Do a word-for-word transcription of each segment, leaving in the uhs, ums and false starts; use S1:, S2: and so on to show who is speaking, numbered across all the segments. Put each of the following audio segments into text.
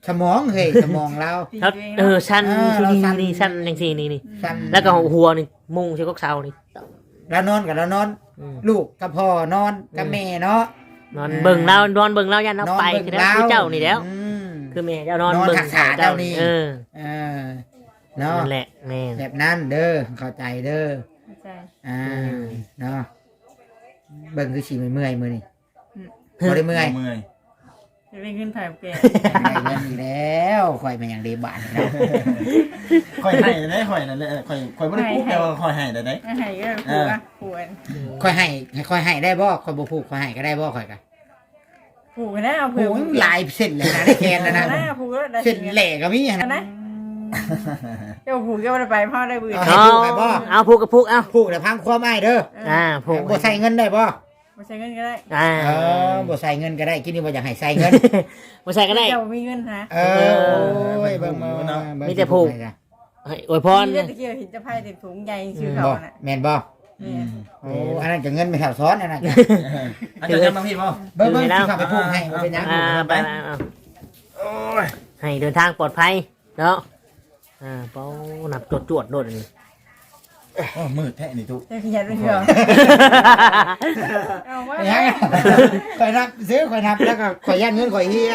S1: สมองเฮ้ยสมองเรา
S2: แล้วเออชั้นนี่นี่ชั้นจังซี่นี่นี่แล้วก็หัวนี่มุงใส่กกเสานี่
S1: แล้วนอนกับเรานอนลูกกับพ่อนอนกับแม่เนาะ
S2: นอนเบิ่งเรานอนเบิ่งเรายันเราไปคือแล้วคือเจ้านี่แล้วคือแม่เจ้านอนเบิ่งเจ้านี่เออ
S1: เออเนาะ
S2: นั่นแหละแม่
S1: แบบนั้นเด้อเข้าใจเด้อ
S3: เข้าใจ
S1: อ่าเนาะเบิ่งคือสิเมื่อยมื้อนี่บ่ได้เมื่อย
S4: เมื่อย
S3: จะเป็นเงินถ่ายแก
S1: ได้เงินอีกแล้วข่อยเป็นอย่างเดบานนะ
S4: ข่อยให้ได้ข่อยนั่นแหละข่อยข่อยบ่ได้พูดแต่ว่าข่อยให้ได้ได้
S3: ให้ก็ผูกอ่ะผูก
S1: ข่อยให้ข่อยให้ได้บ่ข่อยบ่ผูกข่อยให้ก็ได้บ่ข่อยก็
S3: ผูกกันนะเอา
S1: ผูกหลายเส้นเลยนะได้แคนนะนะเส้นแหลกก็มี
S3: นะเจ้าผูกเจ้าไปพ่อได้บืน
S1: เอาผูกไปบ่
S2: เอาผูกกับผูกเอา
S1: ผูกแต่พังความอ้ายเด้อ
S2: อ่าผูก
S1: บ่ใส่เงินได้บ่
S3: บ่ใส่เงินก็ได้
S2: อ่า
S1: เออบ่ใส่เงินก็ได้คิดนี่บ่อยากให้ใส่เงิน
S2: บ่ใส่ก็ได้
S3: เจ้ามีเงินฮะ
S1: เออโอ้ยเบิ่งมา
S2: มีแต่ผูกอวยพร
S3: มีแต่ตะเกียบเห็นจะไพ่เต็มถุงใหญ่ชื่อเขาน่ะ
S1: แม่นบ่โอ้อันนั้นก็เงินไม่แถวซ้อนอันนั้น
S4: อันจะมาพี่บ่
S1: เบิ่งเบิ่งสิเข้าไปผูกให้บ่เป็นหยัง
S2: อ่าไปโอ้ยให้เดินทางปลอดภัยเนาะอ่าเป้าหนับจวดๆโดดนี่
S4: โอ้มืดแท้นี่ทุก
S3: จะขยันไปเถอะ
S1: เอาว่าข่อยนับซื้อข่อยนับแล้วก็ข่อยยันเงินข่อยเฮีย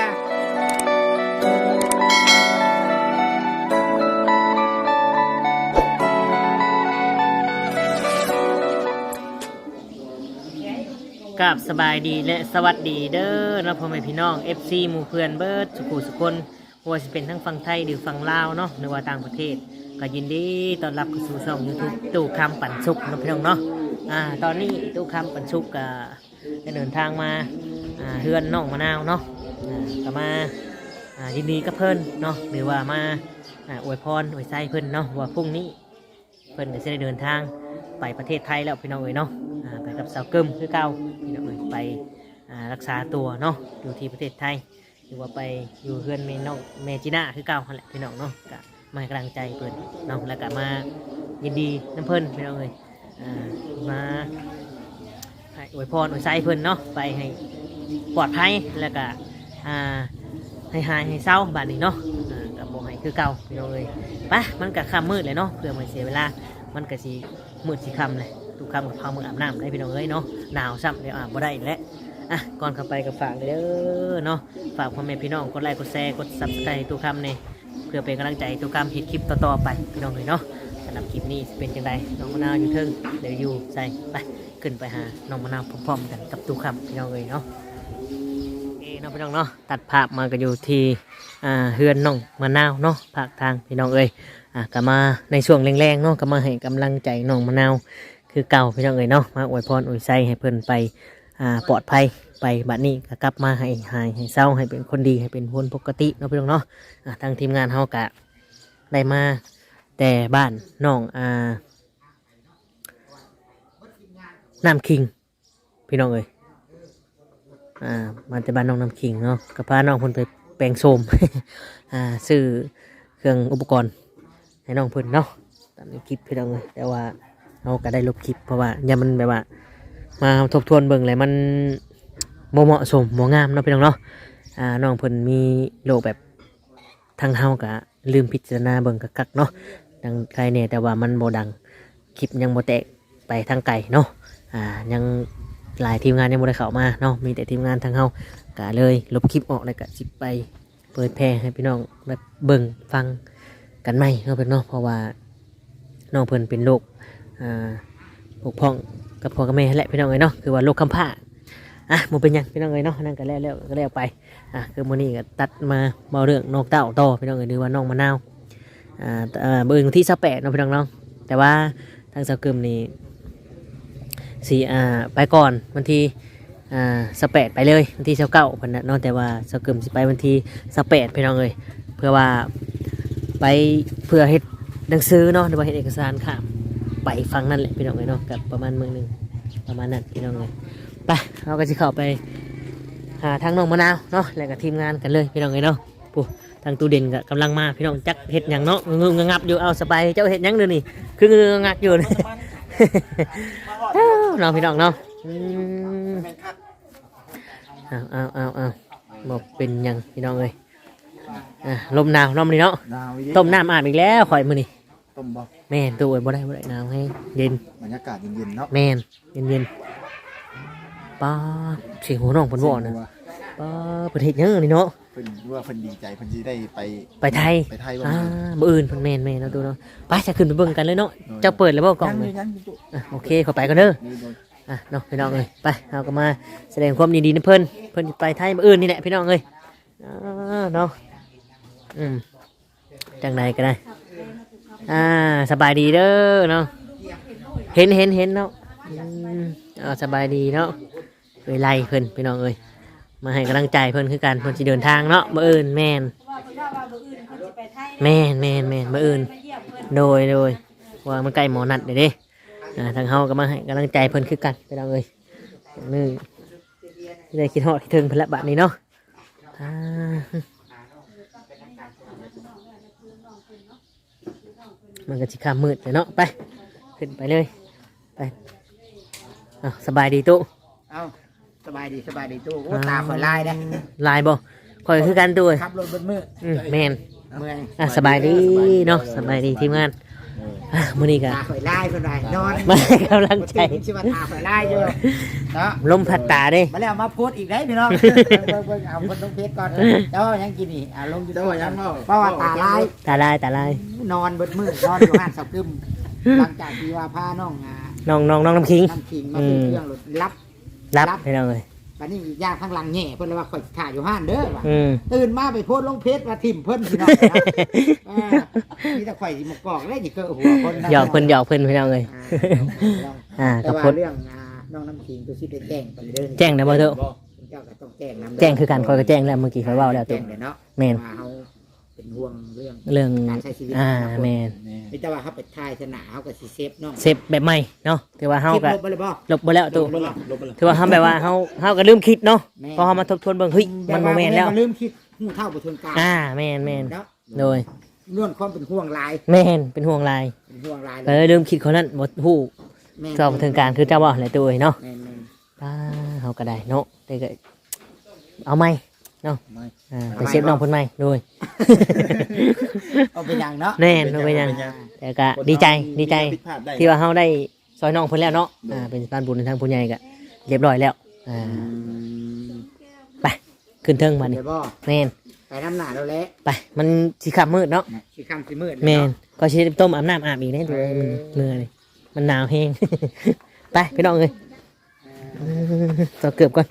S2: กับสบายดีและสวัสดีเด้อนะพ่อแม่พี่น้อง เอฟ ซี หมู่เพื่อนเบิร์ดสุขุสุคนว่าจะเป็นทั้งฝั่งไทยหรือฝั่งลาวเนาะหรือว่าต่างประเทศก็ยินดีต้อนรับเข้าสู่ช่องยูทูบตู้คำปั่นสุกนะพี่น้องเนาะอ่าตอนนี้ตู้คำปั่นสุกก็ได้เดินทางมาอ่าเฮือนน้องมะนาวเนาะอ่าก็มาอ่ายินดีกับเพิ่นเนาะหรือว่ามาอ่าอวยพรอวยไส้เพิ่นเนาะว่าพรุ่งนี้เพิ่นจะได้เดินทางไปประเทศไทยแล้วพี่น้องเอ๋ยเนาะไปกับสาวกึมคือเก่าพี่น้องเอ๋ยไปรักษาตัวเนาะอยู่ที่ประเทศไทยหรือว่าไปอยู่เฮือนเมน้องเมจิน่าคือเก่าแหละพี่น้องเนาะก็มาให้กำลังใจเพิ่นเนาะแล้วก็มายินดีน้ำเพิ่นพี่น้องเอ๋ยมาให้อวยพรอวยไส้เพิ่นเนาะไปให้ปลอดภัยแล้วก็ให้หายให้เศร้าบาดนี้เนาะกับโบให้คือเก่าพี่น้องเอ๋ยปะมันก็ค่ำมืดเลยเนาะเพื่อไม่เสียเวลามันก็สีมืดสีค่ำเลยทุกคำกับพามืออาบน้ำได้พี่น้องเอ้ยเนาะหนาวซ้ำเดี๋ยวอาบบ่ได้แล้วอ่ะก่อนเข้าไปกับฝากเลยเด้อเนาะฝากพ่อแม่พี่น้องกดไลค์กดแชร์กดซับสไครต์ทุกคำเนี่ยเพื่อเป็นกำลังใจทุกคำผิดคลิปต่อๆไปพี่น้องเลยเนาะสำหรับคลิปนี้เป็นจังไดน้องมะนาวอยู่เทิงเดี๋ยวอยู่ใส่ไปขึ้นไปหาน้องมะนาวพร้อมๆกันกับทุกคำพี่น้องเลยเนาะเอ้น้องพี่น้องเนาะตัดภาพมาก็อยู่ที่อ่าเฮือนน้องมะนาวเนาะภาคทางพี่น้องเอ้ยอ่ะก็มาในช่วงแรงๆเนาะก็มาให้กำลังใจน้องมะนาวคือเก่าพี่น้องเอ๋ยเนาะมาอวยพรอวยไส้ให้เพิ่นไปอ่าปลอดภัยไปบัดนี้ก็กลับมาให้หายให้เศร้าให้เป็นคนดีให้เป็นคนปกติเนาะพี่น้องเนาะอ่าทางทีมงานเฮากะได้มาแต่บ้านน้องอ่าน้ำคิงพี่น้องเอ๋ยอ่ามาแต่บ้านน้องน้ำคิงเนาะก็พาน้องเพิ่นไปแปลงโสม อ่าซื้อเครื่องอุปกรณ์ให้น้องเพิ่นเนาะตามในคลิปพี่น้องเอ๋ยแต่ว่าเราก็ได้ลบคลิปเพราะว่าอย่ามันแบบว่ามาทบทวนเบิ่งเลยมันโมเหมาะสมโมงามเนาะพี่น้องเนาะอ่าน้องเพิ่นมีโรคแบบทางเฮากะลืมพิจารณาเบิ่งกักๆเนาะดังใครเนี่ยแต่ว่ามันโมดังคลิปยังโมแตกไปทางไกลเนาะอ่ายังหลายทีมงานยังโมได้เข้ามาเนาะมีแต่ทีมงานทางเฮากะเลยลบคลิปออกเลยกะสิไปเผยแพร่ให้พี่น้องแบบเบิ่งฟังกันไหมเนาะเพิ่นเนาะเพราะว่าน้องเพิ่นเป็นโรคอ่าปกพ้องกับพ่อกับแม่แหละพี่น้องเอ้ยเนาะคือว่าโรคคำผ้าอ่ะมันเป็นยังพี่น้องเอ้ยเนาะนั่นก็แล้วแล้วก็แล้วไปอ่ะคือมื้อนี้ก็ตัดมาเบาเรื่องนกเต้าต่อพี่น้องเอ้ยหรือว่าน้องมะนาวอ่าเอ่อเบิ่งที่สิบแปดเนาะพี่น้องเนาะแต่ว่าทางสาวกึมนี่สิอ่าไปก่อนวันที่อ่าสิบแปดไปเลยวันที่สิบเก้าเพิ่นน่ะเนาะแต่ว่าสาวกึมสิไปวันที่สิบแปดพี่น้องเอ้ยเพื่อว่าไปเพื่อเฮ็ดหนังสือเนาะหรือว่าเฮ็ดเอกสารค่ะไปฟังนั่นแหละพี่น้องเลยเนาะกับประมาณเมืองหนึ่งประมาณนั้นพี่น้องเลยไปเราก็จะเข้าไปหาทางน้องมะนาวเนาะแล้วก็ทีมงานกันเลยพี่น้องเลยเนาะปุ๊ทางตู้เด่นก็กำลังมาพี่น้องจักเห็ดอย่างเนาะงึงงับอยู่เอาสบายเจ้าเห็ดยังเดี๋ยวนี้คืองึงงับอยู่นี่น้องพี่น้องเนาะเอาเอาเอาเอาบอกเป็นยังพี่น้องเลยอ่ะลมหนาวน้ำนี่เนาะ
S1: หนาวอีก
S2: ต้มน้ำอาบอีกแล้วข่อยมื้อนี้
S1: ต้มบ่
S2: แม่นตู้ไว้บ่ได้บ่ได้หนาวให้เย็น
S1: บรรยากาศเย็นๆเนาะ
S2: แม่นเย็นๆป้าดเสียงหัวน้องเพิ่นบอกนะป้าดประเทศยังนี่เนาะ
S1: เพิ่นว่าเพิ่นดีใจเพิ่นสิได้ไป
S2: ไปไทย
S1: ไปไทยบ่
S2: อ่าบ่อื่นเพิ่นแม่นแม่นเนาะดูเนาะไปจะขึ้นไปเบิ่งกันเลยเนาะเจ้าเปิดแล้วบ่กล่อง
S1: ยัง
S2: เล
S1: เลย ยยังอยู่
S2: อ่ะโอเคขอไปก่อนเด้อ
S1: นี่บ่
S2: อ่ะเนาะพี่น้องเอ้ยไปเอาก็มาแสดงความยินดีนะเพิ่นเพิ่นสิไปไทยมื้ออื่นนี่แหละพี่น้องเอ้ยอ่าเนาะอืมจังไดก็ได้อ่าสบายดีเด้อเนาะเห็นเห็นเห็นเนาะอืมอ่าสบายดีเนาะเวไลเพิ่นพี่น้องเอ้ยมาให้กำลังใจเพิ่นคือกันเพิ่นสิเดินทางเนาะมื้ออื่นแม่นแม่นแม่นแม่นมื้ออื่นโดยโดยว่ามันใกล้หมอนัดเด้เด้อ่าทางเฮาก็มาให้กำลังใจเพิ่นคือกันพี่น้องเอ้ยนี่ได้คิดฮอดคิดถึงเพิ่นละบัดนี้เนาะอ่ามันก็สิค่ำมืดเลยเนาะไปขึ้นไปเลยไปอ้าวสบายดีตู้
S1: เอ้าสบายดีสบายดีตู้โอ้ตาข่อยลายเด้
S2: ลายบ่คอยคือกันตู้เอ้ย
S1: ขับรถเบิดมื้อ
S2: อืมแม่น
S1: เมื่อย
S2: อ่ะสบายดีเนาะสบายดีทีมงานอ่ะมื้อนี้ก็
S1: ตาข่อยลายเพิ่นว่านอน
S2: มาให้กำลังใจ
S1: บ่สิว่าตาข่อยลายอยู่เนาะ
S2: ลมพัดตาเด้
S1: มาแล้วมาโพสต์อีกได้พี่น้องเบิ่งเบิ่งเอาคนต้องเพชรก่อนเจ้ายังกินนี่อ่าลงอยู่
S4: เจ้าว่ายังเมา
S1: เพราะว่าตาลาย
S2: ตาลายตาลาย
S1: นอนเบิดมือนอนอยู่ห้านเสากึมหลังจากที่ว่าพาน้องอ่า
S2: น้องน้องน้องน้ำคิง
S1: น้ำขิงมาเป็นเครื่องรถรับ
S2: รับให้เราเลย
S1: บัดนี้ยากข้างหลังแง่เพิ่นเลยว่าข่อยถ่ายอยู่ห้านเด้อว่ะ
S2: อืม
S1: ตื่นมาไปโพสต์ลงเพจว่าทิ่มเพิ่นพี่น้องนะอ่ามีแต่ข่อยสิหมกกอกแล้วสิเกิดหัวคนนะ
S2: หยอกเพิ่นหยอกเพิ่นให้เราเลย
S1: อ่า
S2: อ่า
S1: แต่
S2: กับ
S1: ว่า
S2: พด
S1: เรื่องอ่าน้องน้ำขิงตัวสิไปแจ้งไปเด้อ
S2: แจ้งนะบ่เถอะ
S1: เจ้าก็ต้องแจ้งนำ
S2: แจ้งคือกันคอยก็แจ้งแล้วเมื่อกี้คอยเว้าแล้ว
S1: แจ้
S2: ตุ๊
S1: งเลยเนาะ
S2: แม่น
S1: ว่าเฮาเป็นห่วงเรื่อง
S2: เรื่อง
S1: การใช้ชีวิต
S2: อ่า
S1: ของคน
S2: แม่น
S1: มีแต่ว่าเขาไปถ่ายสนาเขาก็สิเซฟน้อง
S2: เซฟแบบใหม่เนาะถือว่าเฮา
S1: คิด
S2: ก็
S1: ลบไปเลยบ่
S2: ลบบ่แล้วตู้
S4: ลบละลบละ
S2: ถือว่าเฮาแบบว่าเฮาเฮาก็ลืมคิดเนาะ
S1: แม่น
S2: พอเฮามาทบทวนเบิ่งเฮ้ยมันบ่แม่นแล้ว
S1: ต่าลืมคิดหูเท่าบ่ทนกลาง
S2: อ่าแม่นแม่น
S1: เนาะ
S2: โดย
S1: ล้วนความเป็นห่วงหลาย
S2: แม่นเป็นห่วงหลาย
S1: เป็นห่วงหลาย
S2: เออลืมคิดคนนั้นบ่ฮู้
S1: แม่น
S2: ก็บ่ถึงการคือเจ้าบ่แหละตู้เอ้ยเนาะ
S1: แม่นแม่น
S2: อ่าเฮาก็ได้เนาะแต่ก็เอาไหมเนาะ
S1: ไม่
S2: อ่าไปเซฟน้องเพิ่นไหมโดย
S1: เอาเป็นอย่างเนาะ
S2: แน่นบ่เป็นหยังแต่ก็ดีใจดีใจ
S4: ผิดพลาดได้
S2: ที่ว่าเฮาได้ซอยน้องเพิ่นแล้วเนาะอ่าเป็นสะพานบุญทางผู้ใหญ่ก็เรียบร้อยแล้วอ่าไปขึ้นเทิงบัดนี้
S1: เดี๋ยวบ่
S2: แม่น
S1: ไปน้ำหนาแล้วแหละ
S2: ไปมันสิค่ำมืดเนาะ
S1: สิค่ำสิมืด
S2: แม่น
S1: เนาะ
S2: ก็สิต้มอาบน้ำอาบอีกได้ตัวมันเหนื่อยเลยมันหนาวแฮง ไปพี่น้องเอ้ยอืมต่อเกือบก่อน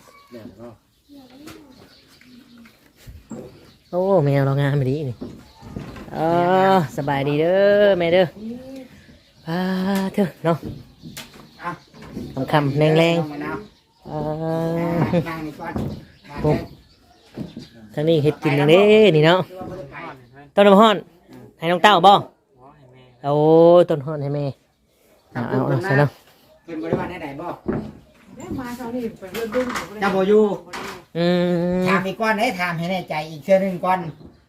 S2: โอ้แมวเรางามไปดีนี่เออสบายดีเด้อแม่เด้ออ่าเถอะเนาะ
S1: เอา
S2: คำคำๆแรงแรง
S1: เอามะนาว
S2: ๆเอ
S1: อ่า
S2: อ
S1: นั่งนี่ก่อน
S2: ปุ๊บ ทางนี้เฮ็ดกินอย่างนี้นี่เนาะต้นน้ำฮ้อนให้น้องเต้าบ่โอ้ต้นฮ้อนให้แม่เอาเอาเอาใส่เนาะ
S1: เพิ่นบ่ได้ว่าได้ใดบ่
S3: มาเช้านี้ไปเรื่องดุ้ง
S1: เจ้าบ่อยู่
S2: อืม
S1: ถามอีกก่อนให้ถามให้แน่ใจอีกเชื่อหนึงก่อน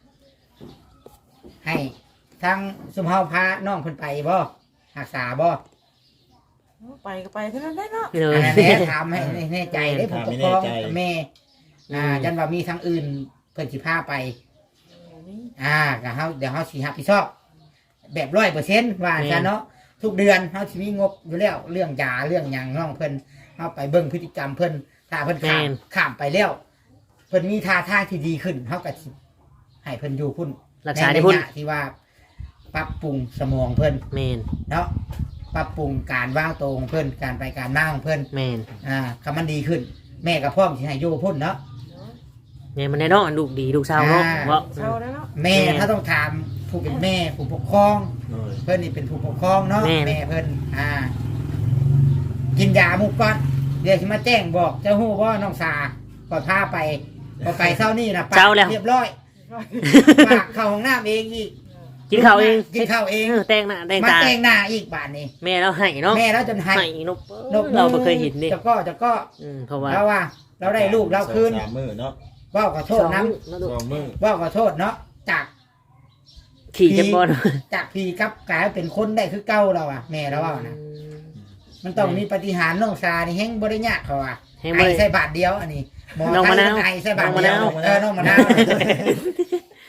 S1: ให้ทางสุมเฮาพาน้องเพิ่นไปบ่รักษาบ่
S3: ไปก็ไปเท่านั้นได้เนาะ
S2: เล
S1: อั
S2: ย
S1: นนั้นแหละถามให้แน่ใจได้ผู้ปกครองแม่อ่าจันว่ามีทางอื่นเพิ่นสิพาไป อ่าก็เฮาเดี๋ยวเฮาสิรับผิดชอบ แบบร้อยเปอร์เซ็นต์ว่าจันเนาะทุกเดือนเฮาสิมีงบอยู่แล้วเรื่องยาเรื่องหยังน้องเพิ่นเฮาไปเบิ่งพฤติกรรมเพิ่นถ้าเพิ่นข้ามข้ามไปแล้วเพิ่นมีท่าทางที่ดีขึ้นเฮาก็สิให้เพิ่นอยู่พุ่น
S2: รักษาได้พุ่น
S1: ในระยะที่ว่าปรับปรุงสมองเพิ่น
S2: แมน
S1: เนาะปรับปรุงการว่างตัวของเพิ่นการไปการมาของเพิ่น
S2: แมน
S1: อ่าคำมันดีขึ้น แม่กับพ่อมสิให้อยู่พุ่นเนาะ
S2: เนี่ยมันแน่นอนลูกดีลูกเศร้าเนาะ
S1: อ่า
S2: เพราะ
S3: เช้าแล้วเนาะ
S1: แม่
S2: แม่
S1: ถ้าต้องถามผู้เป็นแม่ผู้ปกครอง
S4: โดย
S1: เพิ่นนี่เป็นผู้ปกครองเนาะ
S2: แม่
S1: แม่เพิ่นอ่า กินยาหมุกก่อนเดี๋ยวสิมาแจ้งบอกเจ้าฮู้ว่าน้องสาก่อนพาไปพอไปเช้านี่นะปก
S2: เช้าแล้ว
S1: เรียบร้อยปากเข้าห้องน้ำเองอีก
S2: กินข้าวเอง
S1: กินข้าวเอง
S2: เออแต่งหน้าแต่ง
S1: มา
S2: ตา
S1: แต่งหน้าอีกบาดนี้
S2: แม่เราให้เนาะ
S1: แม่แล้วจนให้
S2: ให้นก
S1: นก
S2: เราไม่เคยเห็นดิ
S1: จะก็จะก็
S2: อืมเพราะว่า
S1: เราว่า เราได้ลูกเราคืน
S4: สามมือเนาะ
S1: ว่าขอโทษน้
S4: สองมือ
S1: ำว่าขอโทษเนาะจาก
S2: ขี่จับบอล
S1: จากพีกับกลายเป็นคนได้คือเก้าเราอ่ะแม่เราว่านะมันต้องมีปฏิหารย์น้องซานี่แห้งบริญญาเขาอ่ะ
S2: แห้ง
S1: ไอ
S2: บ่ได้
S1: ใส่บาทเดียวอันนี้หมอ
S2: น้องมะนาว
S1: ไทยไอใส่บาทเดียว
S2: น้องมะนาว
S1: เออน้องมะนาว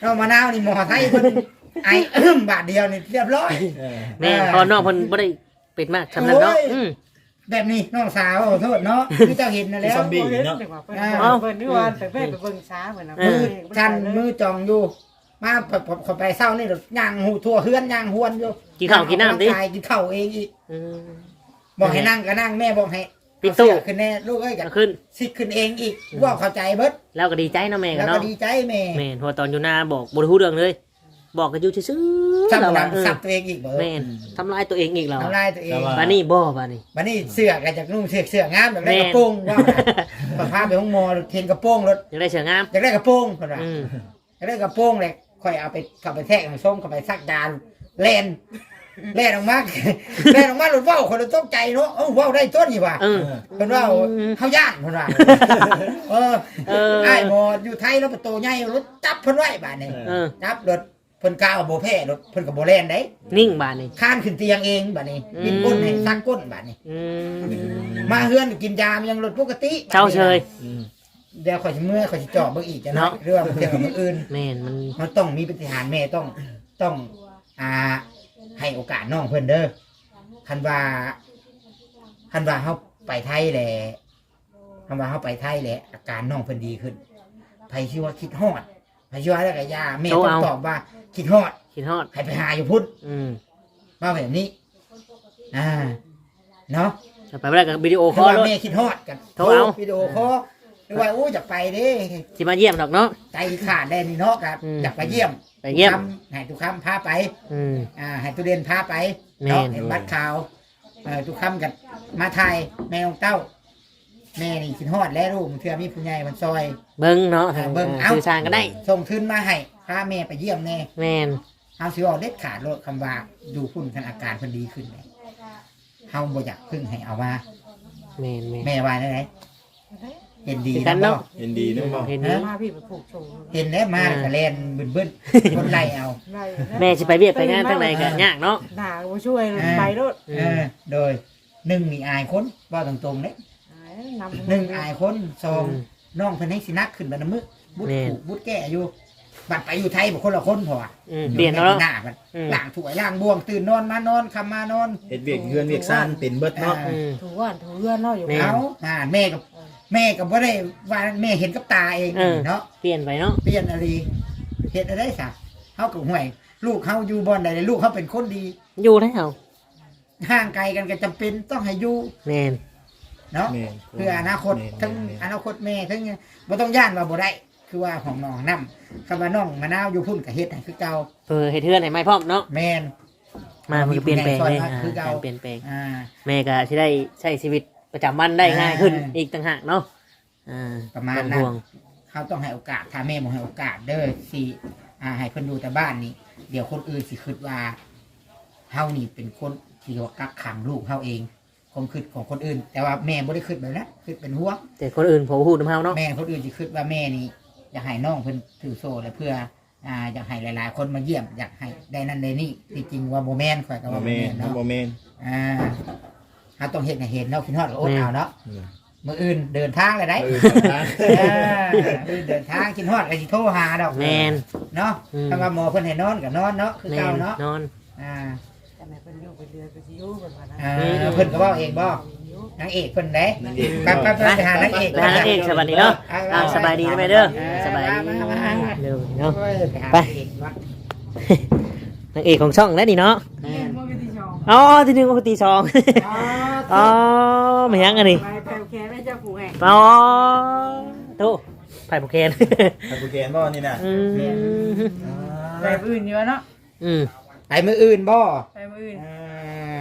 S1: น้องมะนาวนี่หมอไทยเพิ่นไอเอิ่มบาทเดียวนี่เรียบร้อย
S4: เออ
S2: แม่นพอน้องเพิ่นบ่ได้เป็ดมากสำนั้นเนาะ
S1: โอ้ย
S2: อืม
S1: แบบนี้น้องสาวขอโทษเนาะที่เจ้าเห็นนั่นแล้ว
S4: ซอมบี้
S3: เห็น
S4: เนาะ
S3: แต่ว่าเพิ่น
S1: อ้าว
S3: เพิ่นนี่ว่าไปเพิ่นไปเบิ่งช้าเหมือนนะ
S1: มือชันมือจองอยู่ มาผมขอไปเศร้านี่ย่างหูทั่วเฮือนย่างหวนอยู่
S2: กินข้าวกินน้ำดิ
S1: กายกินข้าวเองอีก
S2: อืม
S1: บอกให้นั่งก็นั่งแม่บอกให้
S2: ปิดตู้
S1: เอาเสื้อขึ้นแน่ลูกเอ้ยกั
S2: เอาขึ้น
S1: สิขึ้นเองอีกว่าเข้าใจเบิด
S2: แล้วก็ดีใจเนาะแม่กั
S1: แล้
S2: น
S1: วก็
S2: เนาะ
S1: ดีใจแม่
S2: แม่นเพอตอนอยู่หน้าบอกบ่ได้ฮู้เรื่องเลย บอกกันอยู่ซื่อๆ
S1: สับ
S2: เรา
S1: หลั
S2: ว่าง เออ
S1: สับตัวเองอีกเบิด
S2: แม่นทำลายตัวเองอีกเรา
S1: ทำลายตัวเอง
S2: บานี่บ่บานี่
S1: วันนี้เสื้อก็จากนุ่งเสื้อเสื้องามแบบได้
S2: แม่
S1: กระโปรงว่าพอพาไปห้องหมอเทนกระโปรงรถ
S2: ยังได้เสืองาม
S1: อยากได้กระโปรงคนละ
S2: อืม
S1: อยากได้กระโปรงเลยค่อยเอาไปขับไปแทกส้มขับไปซักดานแลนแลนออกมา แลนออกมาหลุดว่าวคนละตกใจเนาะเอ้าว่าวได้ต้นนี่ว่ะ
S2: เออ
S1: คนว่าเขาย่านคนว่าเออ
S2: เออ
S1: ไอ้หมออยู่ไทยแล้วประตูใหญ่รถจับเพิ่นไว้บาดนี้
S2: เออ
S1: จับรถเพิ่นกล้าเอาโบแพ้รถเพิ่นกับโบแลนได้
S2: นิ่งบานี่
S1: ข้านขึ้นเตียงเองบาดนี้
S2: อืม
S1: กินก้นให้ซักก้นบาดนี้
S2: อืม
S1: มาเฮือนกินยามันยังรถปกติ
S2: เจ้าเชย
S4: อืม
S1: เดี๋ยวข่อยสิเมื่อยข่อยสิเจาะเบิ่งอีกจะ
S2: เนาะ
S1: เนาะเรื่องเกี่ยวกับมื้ออื่น
S2: แม่นมัน
S1: มันต้องมีปฏิหารย์แม่ต้องต้องอ่าให้โอกาสน้องเพิ่นเด้อคันว่าคันว่าเฮาไปไทยแหละคันว่าเฮาไปไทยแหละอาการน้องเพิ่นดีขึ้นไผสิว่าคิดฮอดไผสิว่าแล้วก็ยาแม่ต้องตอบว่าคิดฮอด
S2: คิดฮอด
S1: ให้ไปหาอยู่พุ่น
S2: อืม
S1: มาแบบนี้อ่าเนาะ
S2: ไปบ่ได้กับวิดีโอ
S1: เพ
S2: คอ
S1: ราะ
S2: ล
S1: ว่า
S2: รถ
S1: แม่คิดฮอดกัน
S2: โทรเอา
S1: วิดีโอคอลหรือว่าอู้อยากไปเด้
S2: สิมาเยี่ยมดอกเนาะ
S1: ใจขาดได้นี่เนาะครับ
S2: อืม
S1: อยากไปเยี่ยม
S2: ไปเยี่ยม
S1: ทุกคำให้ทุกคำพาไป
S2: อืม
S1: อ่าให้ตุเรียนพาไป
S2: แม่น
S1: เนาะเห็นบัตรข่าวเอ่อทุกคำกันมาไทยแม่ของเต้า แม่นี่คิดฮอดแล้วลูกเทื่อมีผู้ใหญ่มันซอย
S2: เบิ่งเนาะทาง
S1: เบิ่งเอา
S2: สื่อสารกันได้
S1: ส่งทุนมาให้พาแม่ไปเยี่ยมแน่
S2: แม่น
S1: เฮาสิเอาเด็ดขาดโลดคำว่าดูพุ่นคันอาการเพิ่นดีขึ้นเลยเฮาบ่อยากพึ่งให้เอามา
S2: แม่นแม่น
S1: แม่ว่าได้ไหนเห็นดี
S2: คือกั
S1: นะ
S2: น
S1: บ่
S2: เนาะ
S4: เห็นดีเนาะบ่
S2: เห็น
S1: ฮะ
S2: นี้
S3: มาพี่ไปผูกโชว์
S1: เห็นแล้วมา
S2: อ่า
S1: ก็แล่นบึ้นๆคนไล่เอา
S3: ได้
S2: แม่สิไปเวียดไปงานทางใดก็ยากเนาะ
S3: หนาบ่ช่วยไปรถ
S2: อืม
S1: เออโดยหนึ่งมีอายคนว่าตรงๆเด้
S3: นำ
S1: หนึ่งอายคนสองน้องเพิ่นให้สินักขึ้นบัดน้ำมือบุด
S2: แม่น
S1: ผูกบุดแก่อยู่บัดไปอยู่ไทยบ่คนละคนพอว่ะ
S2: อืมเปลี่ยนแล้วเนาะ
S1: หน้าบัด
S2: อืม
S1: ล้างถ้วยล้างบ่วงตื่นนอนมานอนคำมานอน
S4: เฮ็ดเวียกเฮือนเวียกซ่านเป็นเบิดเนาะ
S2: อืม
S3: ถูว่านถูเรือนเนาะอยู่
S2: แม่
S1: เอาอ่าแม่กับแม่กับบ่ได้ว่าแม่เห็นกับตาเอง
S2: เออ
S1: เนาะ
S2: เปลี่ยนไปเนาะ
S1: เปลี่ยนอะไรเฮ็ดอะไรซะเฮาก็ห่วย ลูกเฮาอยู่บ่อนใดลูกเฮาเป็นคนดี
S2: อยู่ได้เหรอ
S1: ห่างไกลกันก็จำเป็นต้องให้อยู่
S2: แม่น
S1: เนาะ
S4: แม่น
S1: เพื่ออนาคต
S4: แม่น
S1: ทั้ง
S4: แม่น
S1: อนาคตแม่ทั้งบ่ต้องย่านว่าบ่ได้ คือว่าของน้องนํคำว่าน้องมะนาวอยู่พุ่นก็เฮ็ดให้คือเก่า
S2: เออให้เทือนให้ไม่พร้อมเนาะ
S1: แม่น
S2: มามันก็เปลี่ยนแปลงเลย
S1: มีผู้ใหญ่ซอยมาคือเก่า
S2: การเปลี่ยนแปลง
S1: อ่า
S2: แม่ก็สิได้ใช้ชีวิตประจำวันได้ง่ายขึ้น
S1: อ่า
S2: อีกต่างหากเนาะอ่า
S1: ประมาณ
S2: ต้
S1: นั้น
S2: ห่วง
S1: เขาต้องให้โอกาสถ้าแม่บ่ให้โอกาสเด้อสิอ่าให้เพิ่นอยู่แต่บ้านนี่เดี๋ยวคนอื่นสิคิดว่าเฮานี่เป็นคนที่ว่ากักขังลูกเฮาเองความคิดของคนอื่น แต่ว่าแม่บ่ได้คิดแบบนั้นคิดเป็นห่วง
S2: แต่คนอื่นผมพูดน้ำเฮาเนาะ
S1: แม่คนอื่นสิคิดว่าแม่นี่อยากให้น้องเพิ่นถือโซ่และเพื่ออ่าอยากให้หลายๆ คนมาเยี่ยมอยากให้ได้นั่นได้นี่ที่จริงว่าบ่แม่นข่อยก็
S4: บ่
S1: ว่าบ่
S4: แม่
S1: แม่
S4: น
S1: นเนาะ
S4: บ่แม่น
S1: อ่าเฮาต้องเฮ็ดให้เห็นเนาะคิดฮอดก็อดเอาเนาะ
S4: อืม
S1: มื้ออื่นเดินทางเลยได้
S4: เออนะ
S1: เออมื้อเดินทางคิดฮอดก็สิโทรหาดอก
S2: แมน
S1: เนาะ
S2: อืม
S1: ถ้าว่าหมอเพิ่นให้นอนก็นอนเนาะคือ
S2: แม
S1: เก่าน เนาะ
S2: นอน
S1: อ่า
S3: แต่แม่เพิ่นอยู่ไปเรือไปสิอยู่เพิ่นว่านะ
S1: อ่าเพิ่นก็เว้าเองบ่นางเอกเพิ่นเด้
S4: นางเอก
S1: ไปไปไปไปหานางเอก
S2: ไปหานางเอกสวัสดีเนาะอ่าสบายดีนะแม่เด้อสบายดี
S1: มามามา
S2: เร็วเนาะ
S1: โอ้ยไปหา
S2: ไป
S1: นางเอกวะ
S2: นางเอกของช่องแล้วนี่เนาะ
S1: แม่น
S3: บ่มีที่ชอง
S2: อ๋อที่หนึ่งก็ตีสอง
S1: อ๋อ
S2: อ๋อไม่ยังอันนี้
S3: ไปแปลแค่แม่เจ้าผู้แห่ง
S2: อ๋อโตไผ่โปรเคน
S4: ทางกูแกนบ่นี่น่ะ
S2: อืม
S3: ไปมื้ออื่นอยู่เนาะ
S2: อืม
S1: ไปมื้ออื่นบ่
S3: ไปมื้ออื่น
S1: อ่า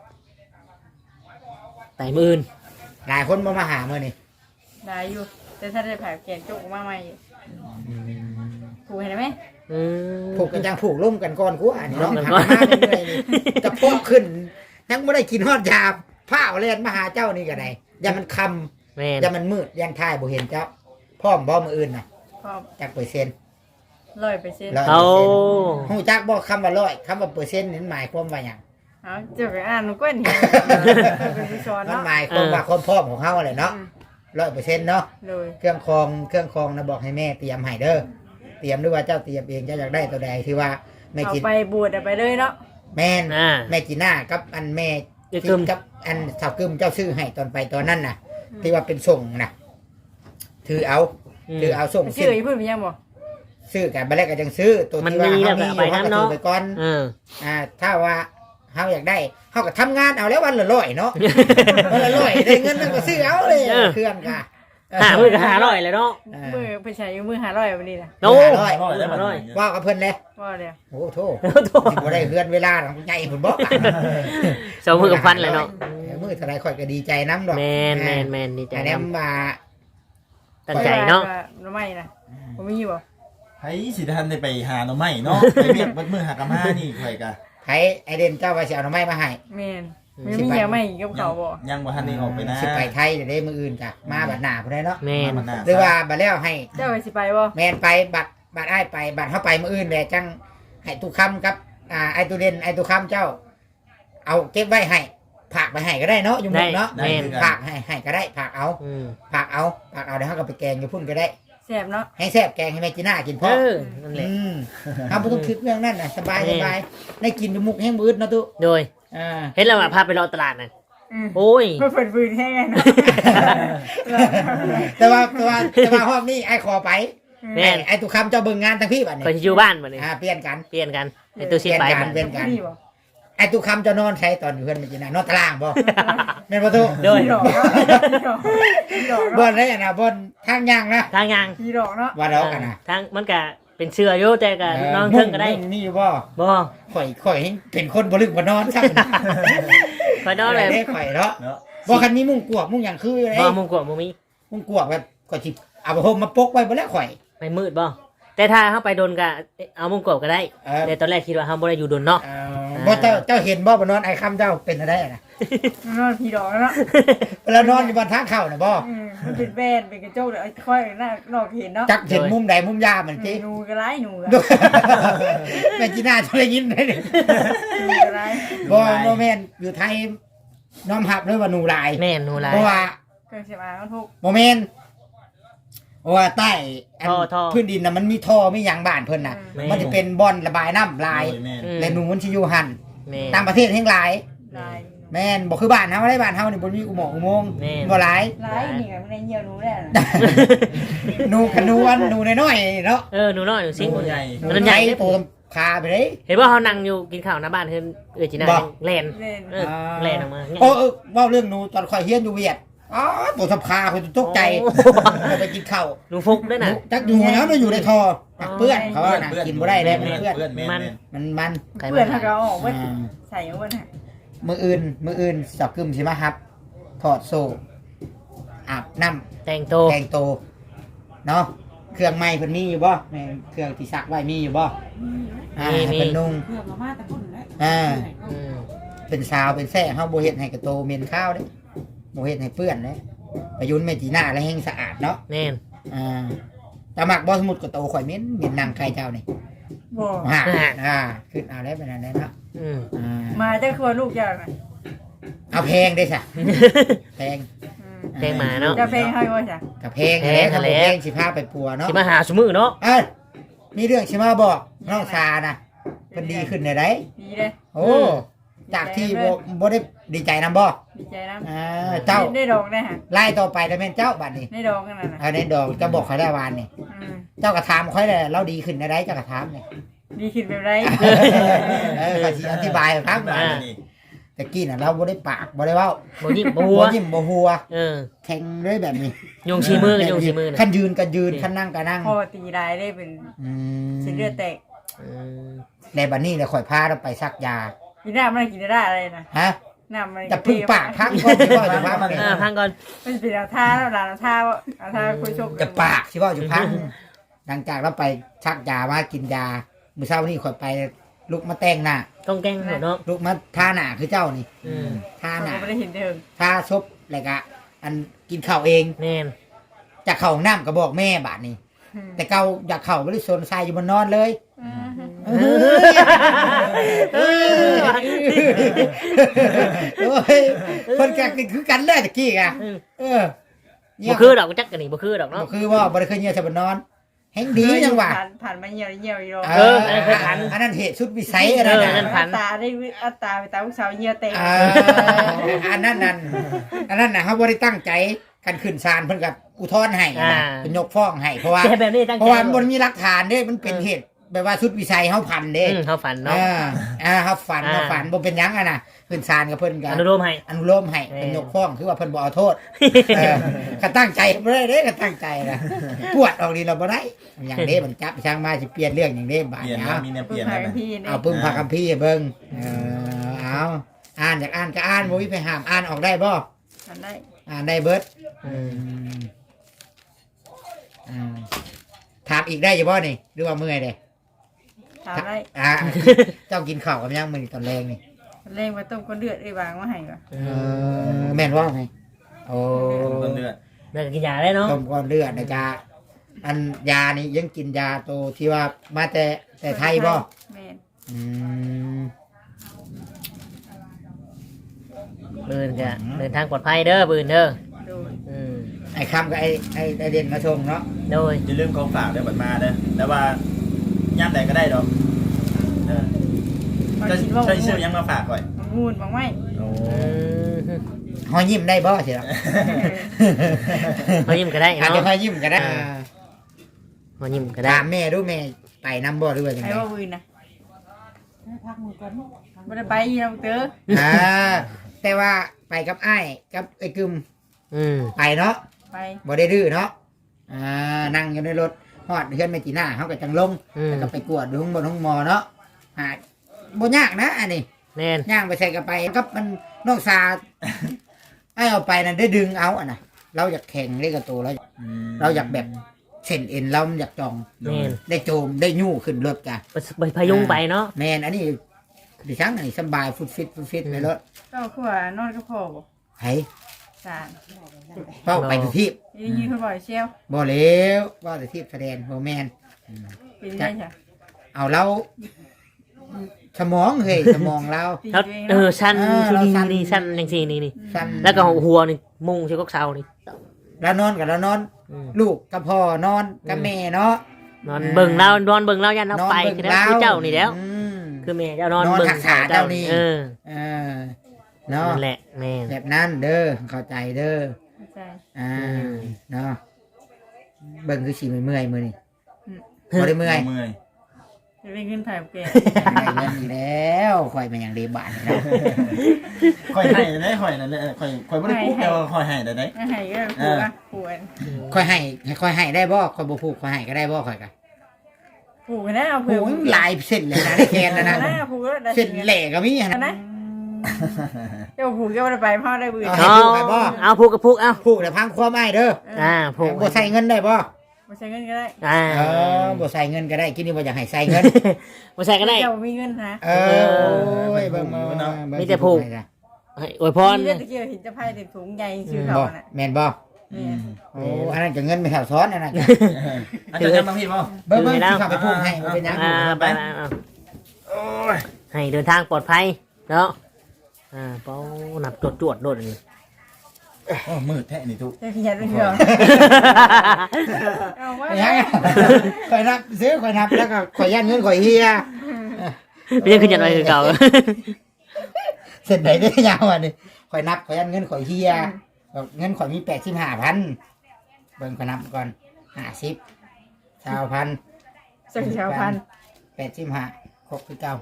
S2: ไต่มื่น
S1: หลายคนบ่มาหามื้อนี่
S3: ได้อยู่แต่ถ้าได้แผลแกนจุกมาใหม่ผู้เห็นไหม
S2: อืม
S1: ผูกกันจังผูกร่มกันก่อนกูอ่านเนาะ
S2: ร่วมกัน
S1: หา
S2: ก่อน
S1: มาเรื่อยๆนี่จะพอกขึ้นยังบ่ได้กินฮอดยาผ้าเอาเล่นมาหาเจ้านี่ก็ได้อย่ามันคำ
S2: แมน
S1: อย่ามันมืดยันท้ายบ่เห็นเจ้าพร้อมบ่มื้ออื่นน่ะ
S3: พร้อม
S1: จักเปอร์เซ็นต์
S3: ร้อยเปอร์เซ็นต์
S1: ร้อย
S2: เอา
S1: ฮู้จักบ่คำว่าร้อยคำว่าเปอร์เซ็นต์นี่หมายความว่าหยัง
S3: เอาเจ้าไปอ่านมันก้นเห็นเป็นผู้สอน
S1: มัน
S3: เนาะ
S1: หมายความว่าความพร้อมของเฮาแหละเนาะร้อยเปอร์เซ็นต์เนาะ
S3: เลย
S1: เครื่องคองเครื่องคองนะบอกให้แม่เตรียมให้เด้อเตรียมหรือว่าเจ้าเตรียมเองเจ้าอยากได้ตัวใดที่ว่าแม่
S3: เอา
S1: กิน
S3: ไปบวชเอาไปเลยเนาะ
S1: แม่น
S2: อ่า
S1: แม่จีน่ากับอันแม่
S2: เดี๋ยว
S1: กิ
S2: กึม
S1: นกับอันสาวกึมเจ้าซื้อให้ตอนไปตอนนั้นน่ะ ที่ว่าเป็นส่งน่ะถือเอาถือเอาส่ง
S3: ชื่ออีพุ่นมียังบ่
S1: ซื้อกันไปแล้วก็ยังซื้อตัว
S2: มัน
S1: ที่ว่า
S2: มี
S1: เฮามีอยู่
S2: แล้วก็
S1: เฮาก็
S2: ไปนำเนาะ
S1: ถือไปก่อน
S2: เออ
S1: อ่าถ้าว่าเฮาอยากได้เฮาก็ทำงานเอาแล้ววันละร้อยเนาะ วันละร้อยได้เงินแล้วก็ซื้อเอาเลย
S2: เออ
S1: เครื่องก็
S2: หามือก็หาร้อยเลยเนาะ
S1: อ่า
S3: มือไปใช้มือหาร้อยวันนี้นะ
S2: โอ้
S1: ร้อย
S4: ร้อยได้
S2: หา
S4: บ่
S2: ร้อย
S1: ว่ากับเพิ่นเลย
S3: ว่าเดียว
S1: โอ้โธ่สิบ่ได้เฮือนเวลาของใหญ่พุ่นบ่
S2: สองมือกับฟันเลยเนาะ
S1: มือเท่าไรข่อยก็ดีใจน้ำดอก
S2: แมนแมนแมนดีใจ
S1: อัน
S2: น
S1: นี้มา
S2: ำตั้งใจเนาะ
S3: หน่อไม้นะผมมีบ่
S4: ไผสิทันได้ไปหาหน่อไม้เนาะไปเรียกเบิดมือหากะมานี่ข่อยก็
S1: ไผไอเดนเจ้าว่าสิเอาหน่อไม้มาให้
S3: แม่นมันมียังไม่กับเขาบ่
S4: ยังบ่ทันได้ออกไปนะ
S1: สิไปไทยเดี๋ยวได้มืออื่นจ้ะมาบัดหน้าพุ่นได้เนาะ
S2: แมน
S4: มันน่า
S1: หรือว่าบัดแล้วให้
S3: เจ้าไปสิไปบ่
S1: แมนไปบัดบัดอ้ายไปบัดเฮาไปมืออื่นแหละจังให้ตุกคำกับอ่าไอตุเดนไอตุกคำเจ้า เอาเก็บไว้ให้ผากไปให้ก็ได้เนาะอยู่หมุกเนาะ
S2: แมน
S1: ผากให้ให้ก็ได้ผากเอา
S2: อืม
S1: ผากเอาผากเอาเดี๋ยวเฮาก็ไปแกงอยู่พุ่นก็ได้
S3: แซ่บเนาะ
S1: ให้แซ่บแกงให้แม่จีน่ากินพ
S2: เอ
S1: อ
S2: อนั่นแหละ
S1: อืมเอาบ่ต้องคิดเรื่องนั้นน่ะสบาย
S2: แม่
S1: สบายได้กินอยู่มุกแห้งมืดเนาะตุ
S2: โดย
S1: อ่า
S2: เห็นแล้วว่าพาไปรอตลาดน่ะ
S3: อืม
S2: โอ้ย
S3: เพื่อเปิดฟืนให้ไงนะ
S1: แต่ว่าแต่ว่าแต่ว่ารอบนี้ไอ้ขอไป
S2: แม่
S1: ไอ้
S2: น
S1: ไอ้ตุกคำเจ้าเบิ่งงานทั้งพี่บัดนี้
S2: คอยสิอยู่บ้านบัดนี้
S1: อ่าเปลี่ยนกัน
S2: เปลี่ยนกันไอ้ตัวชิดไปบัด
S1: เปลี่ยนกัน
S3: นี่บ่
S1: ไอ้ตุกคำเจ้านอนใช้ตอนอยู่เพื่อนมันจีน่ะนอนตารางบ่แม่นบ่ตุ
S2: โดย
S3: พี่ดอกเนาะพี่ดอกพี่ดอก
S1: บ่
S3: เนาะ
S1: ได้อะนะบ่ทางย่างนะ
S2: ทางยาง
S3: พี่ดอกเนาะ
S1: ว่าดอกกันนะ
S2: ทางมันก็เป็นเชื่ออยู่แต่ก็นอนเทิงก็ได้
S1: มุ่มีอยู่บ่
S2: บ่
S1: ข่อยข่อยให้เป็นคนบ่ลึกบ่นอนซัก
S2: คอยนอนเลย
S1: ได้ข่อยเนาะ
S4: เนาะ
S1: บ่คันมีมุ้งกวกมุ้งหยังคืออยู่
S2: บ่
S1: เด้
S2: มุงกวางบ่มี
S1: มุ้งกวกแบบข่อยสิเอาผ้าห่มมาปกไว้บ่แล้วข่อย
S2: ไม่มืดบ่แต่ถ้าเฮาไปโดนก็เอามุงกวางก็ได้
S1: เออ
S2: แต่ตอนแรกคิดว่าเฮาบ่ได้อยู่โดนเนาะ
S1: เอ่อบ่เจ้าเจ้าเห็นบ่บ่นอนไอ้คำเจ้าเป็นอะไรอะนะ
S3: นอนพี่ดอกเนาะ
S1: เวลานอนอยู่บนทางเข้าน่ะบ่
S3: อืมมันเป็นแบนเป็นกระจกเลยค่อยหน้านอกเห็นเนาะ
S1: จักเห็นมุมใดมุมยามมันจิ
S3: หนูก็ไล่หนูก็
S1: แม่จีน่าจะได้ยินได้ดิ
S3: หนูก็ไล่
S1: บ่บ่แม่นอยู่ไทยน้อมรับเลยว่าหนูหลาย
S2: แม่นหนูหลาย
S1: เพราะว่า
S3: เครื่องเสียบอามันทุก
S1: บ่แม่นเพราะว่าใต้อัน
S2: ท่อท่อ
S1: พื้นดินน่ะมันมีท่อมีหยังบ้านเพิ่นน่ะ
S2: แม่
S1: มันจะเป็นบ่อนระบายน้ำลาย
S4: โอ้แม่น
S2: อืม
S1: และหนูมันสิอยู่หั่น
S2: แม่น
S1: ต่างประเทศแห่งหลาย
S3: ลาย
S1: แม่นบ่คือบ้านเฮาได้บ้านเฮานี่บ่มีอุโมงค์อุโมงค์
S2: แม่น
S1: บ่หลาย
S3: ลายนี่ไงมันในเหี่ยวหนูแหละ
S1: หนูกันหนูอันหนูน้อยๆเนาะ
S2: เออหนูน้อยหนูซิง
S4: โอ้ใหญ่
S2: มันใหญ่
S1: โตคาไปเลย
S2: เห็นว่าเขานั่งอยู่กินข้าวหน้าบ้านเพิ่นเออจีน่า
S1: บ่
S2: แล่น
S3: เล่น
S2: เออแล่นออกมา
S1: โอ้เออเว่าเรื่องหนูตอนข่อยเฮียนอยู่เวียดอ๋อตัวทับคาข่อยตกใจ
S2: โอ้
S1: เราไปกินข้าว
S2: หนูฟุกด้วย
S1: หนู
S2: นะ
S1: จักอยู่แล้วมันอยู่ในท่อปักเปื้อนเขาว่านะ
S4: เปื้อน
S1: กินบ่ได้เลยมันเปื้อน
S4: เปื้อนแม่น
S2: มัน
S4: แม่น
S1: มันมัน
S3: เพื่อนถ้าเราออกเว้ย
S1: อ่า
S3: ใส่เอาเว้ยฮะ
S1: มืออื่นมืออื่นสับกึมสิมาครับถอดโซ่อาบน้
S2: แต่งโต
S1: ำแกงโตเนาะเครื่องไม้เพิ่นมีอยู่บ่แม่เครื่องที่ซักไว้มีอยู่บ่อ่าให้เพิ่นนุ่ง
S5: เพื่อมามาแต่คนแล้ว
S1: อ่า
S2: อืม
S1: เป็นสาวเป็นแซ่เฮาบ่เฮ็ดให้กระโตเหม็นข้าวเด้บ่เฮ็ดให้เปื้อนเด้ประยุนแม่จีน่าแล้วแห้งสะอาดเนาะ
S2: แน่น
S1: อ่าแต่มักบ่สมุดกระโตข่อยเหม็นเหม็นนางไก่เจ้านี่
S3: บ่
S1: อ่าอ่าขึ้นเอาได้เป็นอันนั้นเนาะ
S2: อืม
S1: อ่า
S3: มาจะครัวลูกยากนะ
S1: เอาแพงได้ซะแพง
S3: อืม
S2: แพงหมาเนาะ
S3: จะเพลงให้ว่าจ้ะ
S1: กับเพลงแหละกับเพลงสิพาไปปัวเนาะ
S2: สิมาหาสมือเนาะ
S1: เอ้ยมีเรื่องสิมาบอกน้องชานะเป็นดีขึ้นได้ได
S3: ดีเลย
S1: โอ้จากที่บ่บ่ได้ดีใจนํบ่
S3: ดีใจนะ
S1: อ่าเจ้า
S3: ได้ดอกได้ฮะ
S1: ไล่ต่อไปแล้วแม่นเจ้าบัดนี้
S3: ได้ดอกกันนะนะ
S1: เอาในดอกจะบอกข่อยได้วานนี่
S3: อืม
S1: เจ้าก็ถามข่อยได้เราดีขึ้นได้ไดเจ้าก็ถามนี่
S3: ดีขึ้นแบบไร
S1: เออก็สิอธิบายให้ฟัง
S4: บ้านนี่
S1: ตะกี้น่ะเราบ่ได้ปากบ่ได้เว้า
S2: บ่ยิ้มบ่หัว
S1: บ่ยิ้มบ่หัว
S2: เออ
S1: แข็งเลยแบบนี้
S2: ยุงชีมือกันยุงชีมือ
S1: คั
S2: นะ
S1: นยืนก็ยืนคันนั่งก็นั่ง
S3: พอตีได้ได้เป็น
S1: อืม
S3: เส้นเลือดแตก
S2: อืม
S1: ในบัดนี้เลยข่อยพาเราไปซักยา
S3: กินน้ำมันกินได้อะไรนะ
S1: ฮะ
S3: น้ำมัน
S1: จะพึ่งปากพักก่อนสิว่าจะพัก
S2: อ่าพังก่อน
S3: มันเป็นเอาท่าแล้วหลานเอาท่าเอาท่าคุยโชค
S1: จะปากสิว่าจะพักหลังจากเราไปชักยามากินยามื้อเช้านี้ข่อยไปลุกมาแต่งหน้า
S2: ต้องแกล้งหัวเนาะ
S1: ลุกมาทาหน้าคือเจ้านี่
S2: อืม
S1: ทา
S3: ท่า
S1: หน้า
S3: ไม่ได้เห็นเดิม
S1: ทาซบแล้วก็อันกินข้าวเอง
S2: แน่น
S1: จากเข้าห้องน้ำก็บอกแม่บาดนี้ แต่เก่าอยากเข้าบ่ได้สนทรายอยู่บนนอนเลยเออเออโอ้ยคนกักนี่คือกันเลยตะกี้อ่ะ
S2: อืม
S1: เออ
S2: บ่คือดอกจักกันนี่บ่คือดอก
S1: บ่
S2: เนาะ
S1: คือว่าบ่ได้เคยเงียบจะบนนอนแห่งดีจังหวะ
S3: ผ่านผ่านมาเหี่ยวเหี่ยวอยู่
S1: เอออันนั้นเหตุสุดวิสัยอันนั้น
S2: เออนั่น
S3: อัตตาได้อัตตาไปตามลูกสาวเหี่ยวเต็ม
S1: อ่าอันนั้นนั่นอันนั้นนะเขาบ่ได้ตั้งใจกันขึ้นศาลเพิ่นกับอุทธรณ์ให้นะเป็นยกฟ้องให้เพราะว่า
S2: แต่แบบนี้ตั้ง
S1: เพ
S2: ใจ
S1: ราะว่ามันบ่มีหลักฐานเด้มันเป็นเหตุแบบว่าสุดวิสัยเฮาพันเด้
S2: อืมเขาฝันเนาะ
S1: อ่าอ่าเฮาฝัน
S2: อ่า
S1: เฮาฝันบ่เป็นหยังอ่ะนะขึ้นศาลกับเพิ่นก็
S2: อนุโลมให้
S1: อนุโลมให้
S2: เออ
S1: เป็นยกฟ้องคือว่าเพิ่นบ่เอาโทษเออก็ตั้งใจบ่ได้เด้ก็ตั้งใจนะปวดออกนี่เราบ่ได้อย่างเด้มันจับช่างมาสิเปลี่ยนเรื่องอย่างเด้บาด
S4: เปลี่ยน
S1: เนี้
S4: นะ
S1: ย
S4: มีแนวเป
S3: ปึ้
S4: ลี่
S3: ง
S4: ยน
S3: พา
S4: นะ
S3: กันพี่
S1: เอาปึ้งพาคัมภีร์ให้เบิ่งเออเอาอ่านอยากอ่านก็อ่านบ่มีไปห้ามอ่านออกได้บ่
S3: ทำได้
S1: อ่านได้เบิด
S2: อืม
S1: อืมถามอีกได้อยู่บ่นี่หรือว่าเมื่อยเด้
S3: ทำได้
S1: อ่า เจ้ากินข้าวกับยังมื้อนี้ตอนแรงนี่
S3: เล่งมาต้มก้นเดือดไอ้บางมาให้ก่อน
S2: เอ
S1: เอ
S2: อ
S1: อแม่นว่าไงโอ้
S4: ต้นเดือน
S2: เลิกกินยาได้เนาะ
S1: ต้มก้อนเลือดนะจ๊ะอันยานี่ยังกินยาตัวที่ว่ามาแต่แต่ไทยบ่
S3: แม่น
S1: อืม
S2: ปืนก็เดินทางปลอดภัยเด้อปืนเด้อ
S3: โดย
S2: อืม
S1: ไอ้คำกับไอ้ไอ้ไอ้เด่นมาชงเนาะ
S2: โดย
S4: อย่าลืมของฝากได้บัดมาเด้อแต่ว่าย่ำใดก็ได้ดอกเออ
S3: มา
S4: จะ
S3: คิดว่า
S4: ใช้ชื่อยังมาฝากก่อน
S3: มันงูนบางไม่
S4: โอ้
S2: อืม
S1: หอยยิ้มได้บ่สิล่ะ
S2: เขายิ้มก็ได้
S1: อาจ
S2: เนาะ
S1: จะหอยยิ้มก็ได้
S2: อ่า เขายิ้มก็ได้
S1: ถามแม่ดูแม่ไปน้ำบ่หรือว่าจัง
S3: ไอ้
S1: ไง
S3: ว่าวินนะไม่ได้ไปยีน้ำเต๋อ
S1: อ่าแต่ว่าไปกับไอ้ายกับไอ้กึม
S2: อืม
S1: ไปเนาะ
S3: ไป
S1: บ่ได้ดื้อเนาะอ่านั่งอยู่ในรถฮอดเฮือนแม่จีน่าเฮาก็จังลง
S2: อืม
S1: แล้วก็ไปกวดดูข้างบนห้องหมอเนาะหาบ่ยากนะอันนี้
S2: แน่น
S1: ย่างไปใส่กระไปกับมันนอกซา ไอ้เอาไปนั่นได้ดึงเอาอ่ะนะเราอยากแข่งเล่นกับตัวเราเราอยากแบบเส้นเอ็นเรามันอยากจอง
S2: แน่น
S1: ได้โจมได้ยู่ขึ้นรถกัน
S2: ไปไปพยุงไปเนาะ
S1: แมนอันนี้ดิฉันอันนี้สบายฟุตฟิตฟุตฟิตในรถ
S3: ก็คือว่านอนก็พอบ่
S1: ไห้
S3: สาร
S1: เป้าไปที่
S3: ยืนยืนเขาบ่อยเชียว
S1: บ่เลี้ยวว่าแต่ที่แสดงโบแมน
S3: เป็นได้จ้ะ
S1: เอาเราสมองเฮ้ยสมองเรา
S3: ตี
S2: แล้ว
S3: ตัวเอง
S2: เออ
S3: เนาะ
S2: ชั้น
S1: เออ
S2: ที่
S1: เรา
S2: นี่
S1: ชั้น
S2: นี่ชั้นจังซี่นี่นี่
S1: สั้น
S2: แล้วก็หัวนี่มุงใช่กกเสานี่
S1: แล้วนอนกับแล้วนอน
S2: อืม
S1: ลูกกับพ่อนอนกับแม่เนาะ
S2: นอนเบิ่งเรานอนเบิ่งเรายันเราไป
S1: บิ่
S2: คือแล้วคือเจ้านี่แล้ว
S1: อืม
S2: คือแม่เจ้านอน
S1: นอน
S2: เบิ่ง
S1: ทักษะเจ้านี่
S2: เออ
S1: เออเนาะ
S2: นั่นแหละแม่
S1: แบบนั้นเด้อเข้าใจเด้อ
S3: เข้าใจ
S1: อ่า
S2: อืม
S1: เนาะเบิ่งคือสิเมื่อยๆมื้อนี่
S3: อืม
S1: บ่ได้เมื่อย
S4: เมื่อย
S3: จะเป็นขึ้นถ่ายแก
S1: ได้เงินอีกแล้วข่อยมาอย่างเดบานนี่นะ
S4: ค่อยให้ได้ค่อยนั่นแหละค่อยค่อยบ่ได้ปุ๊บแต่ว่าค่อยให้ได้ได้
S3: ให้ก็ปวดอะปวด
S1: ข่อยให้ข่อยให้ได้บ่ข่อยบ่ผูกข่อยให้ก็ได้บ่ข่อยก็
S3: ปวดนะเอา
S1: โอ้
S3: เผื่อย
S1: หลายเส้นเลยนะได้แคนนะนะ
S3: นะปวดได้
S1: เส้นแหลกก็มี
S3: นะ
S1: นะ
S3: นะเจ้าผูกเจ้าไปพ่อได้บืน
S1: ให้
S2: เอา
S1: ผูกให้บ่
S2: เอาผูกกับผูกเอา
S1: ผูกแต่พังความอ้ายเด้อ
S2: อ่าผูก
S1: บ่ใส่เงินได้บ่
S3: ไม่ใช่เงินก็ได้
S2: อ่า
S1: เออบ่ใส่เงินก็ได้กินนี่บ่อยากให้ใส่เงิน
S2: บ่ใส่ก็ได้
S3: เจ้ามีเงินนะ
S1: เออโอ้ยเบิ่งมาเนาะ
S2: มีแต่ผูก ให้อวยพร
S3: มีเรื่องตะเกียบเห็นจะไพ่เต็มถุงใหญ่ชื่อเขา
S1: บ่
S3: น่ะ
S1: แม่นบ่
S3: นี่
S1: โอ้อันนั้นก็เงินไม่แถวซ้อนอันนั้นก็
S4: อาจารย์ยังบางพี่บ่
S1: เบิ่งเบิ่งสิเข้าไปผูกให้บ่เป็นหยัง
S2: อ่าไปไปเอาให้เดินทางปลอดภัยเนาะอ่าเป้าหนับจวดจวดโดดอันนี้
S4: โอ้มืดแท้นี่ทุก
S3: จะขยันไปเถอะเอาว่า
S1: เป็นหยังข่อยนับซื้อข่อยนับแล้วก็ข่อยยันเงินข่อยเฮีย
S2: ไม่ใช่ขึ้นยันไปคือเก่า
S1: เสร็จไหนได้ยาวอ่ะนี่ข่อยนับข่อยยันเงินข่อยเฮียแบบเงินข่อยมีแปดสิบห้าพันเบิ่งข่อยนับก่อนห้าสิบชาวพัน
S3: สักชาวพัน
S1: แปดสิบห้าครบคือเก่า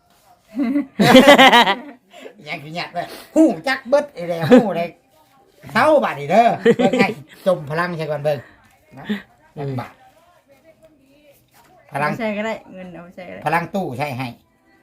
S1: ยังคือหยัดเลยหู้จักเบิดไอ้เลยหู้เลยเท่าบาทนี่เด้อเบิ่งให้จมพลังใช่ก่อนเบิ่งนะจักบาทพลัง
S3: เอาใช้ก็ได้เงินเอาใช้ก็ได้
S1: พลังตู้ใช่ให้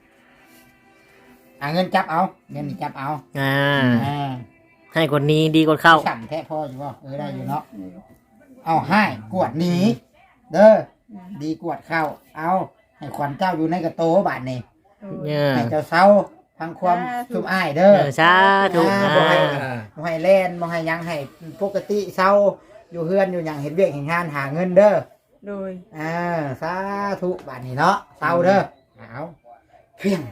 S1: อ่าเงินจับเอาเงินนี่จับเอา
S2: อ่า
S1: อ่า
S2: ให้คนนี้ดีกว่าเข้า
S1: สั่นแท้พ่ออยู่บ่เออได้อยู่เนาะเอาให้กวดหนีเด้อดีกวดเข้าเอาให้ขวัญเจ้าอยู่ในกระโตบาทนี่
S2: เนี่ย
S1: ให้เจ้าเศร้าทางความสุมอ้ายเด้
S2: เอ
S1: อ
S2: อสาธุ
S1: อ่า
S2: อ่า
S1: บ่ให้บ่ให้แล่นบ่ให้หยังให้ปกติเศร้าอยู่เฮือนอยู่หยังเห็นเวียกเห็นงานหาเงินเด้อ
S3: โดย
S1: อ่าสาธุบาทนี้เนาะเศร้าเด้อเอาเพียง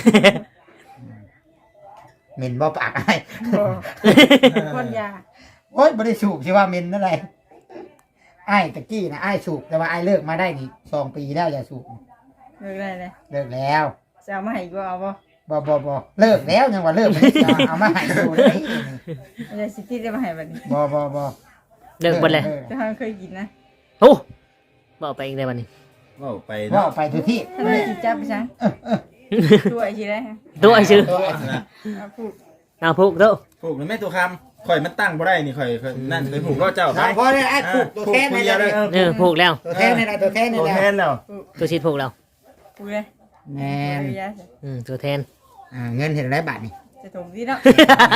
S1: เหม็นบ่ปากไอ้
S3: คนยา
S1: โอ๊ยบ่ได้สูบสิว่าเหม็นอะไรไอ้ตะกี้นะไอ้สูบแต่ว่าไอ้เลิกมาได้นี่สองปีแล้วอย่าสูบ
S3: เลิกได้เลย
S1: เลิกแล้ว
S3: จะเอามาให้กูเอาบ่
S1: บ่บ่บ่เลิกแล้วยังว่าเลิกไม่ได้เอามาให้ดูได้
S3: ไม่ได้สิที่จะมาให้บัดนี้
S1: บ่บ่บ่
S2: เลิกหมดเลย
S3: จะทำเคยกินนะ
S2: โอ้บอกไปอีกได้วันนี้
S4: เว้าไป
S1: ว่า
S4: เนาะ
S1: ไปทุกที่
S3: ถ้าไม่กินจับไปซังตัวไอ้ทีได้ฮะ
S2: ตัวไอ้ชื่อ
S3: เอาพูด
S2: เอาพูกเด้อ
S4: ผูกหรือไม่ตัวคำข่อยมันตั้งบ่ได้นี่ข่อยข่อยนั่นเคยผูกก็เจ้าไป
S1: พอได้ไอ้ผูกตัวแทนใน
S4: เดียว
S1: เล
S4: เลย ย
S2: เออพูกแล้ว
S1: ตัวแทนในไรตัวแทนใน
S4: ตัว
S1: ไร
S4: แทนแล้ว
S2: ตัวชิดพูกแล้ว
S3: พูดเลย
S1: แมน
S3: เอายาสิ
S2: อืมตัวแทน
S1: อ่าเงินเห็นไรบาทนี่
S3: จะถมที่เนาะ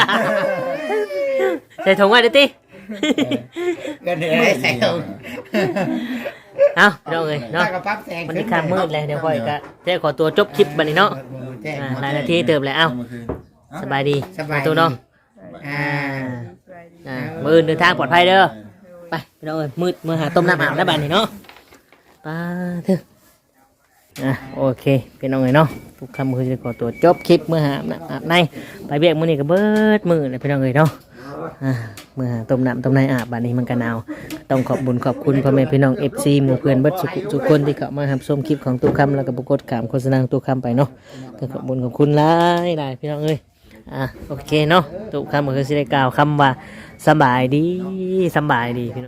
S2: ใส่ถุงไว้เดี๋ยวติ
S1: เงินเห็นไรใส่ตรง
S2: เอาพี่น้องเอ้ยเนาะ
S1: ถ้ากระปั๊บแสง
S2: วันนี้ค่ำมืดเลยเดี๋ยวค่อยก็จะขอตัวจบคลิปบัดนี้เนาะ
S1: แจ้ง
S2: อ่าหลายนาทีเติมเลยเอ้า
S4: เมื่อคืน
S2: สบายดี
S1: สบาย
S2: ตัวเนาะ
S1: อ่า
S3: สบายดี
S2: อ่ามือเดินทางปลอดภัยเด้อไปพี่น้องเอ้ยมืดมือหาต้มน้ำอาบได้บัดนี้เนาะไปเถอะอ่ะโอเคพี่น้องเอ้ยเนาะทุกคำคือจะขอตัวจบคลิปมือหาอาบในไปเบียกมือนี่ก็เบิดมือเลยพี่น้องเอ้ยเนาะอ่ามือหาต้มน้ำต้มในอาบบัดนี้มันก็หนาวต้องขอบบุญขอบคุณพ่อแม่พี่น้อง เอฟ ซี หมู่เพื่อนเบิดสุขทุกคนที่เข้ามารับชมคลิปของตู้คำแล้วก็บุกดขามโฆษณาของตู้คำไปเนาะก็ขอบบุญขอบคุณหลายหลายพี่น้องเอ้ยอ่ะโอเคเนาะตู้คำก็คือสิได้กล่าวคำว่าสำบายดีสำบายดีพี่น้อง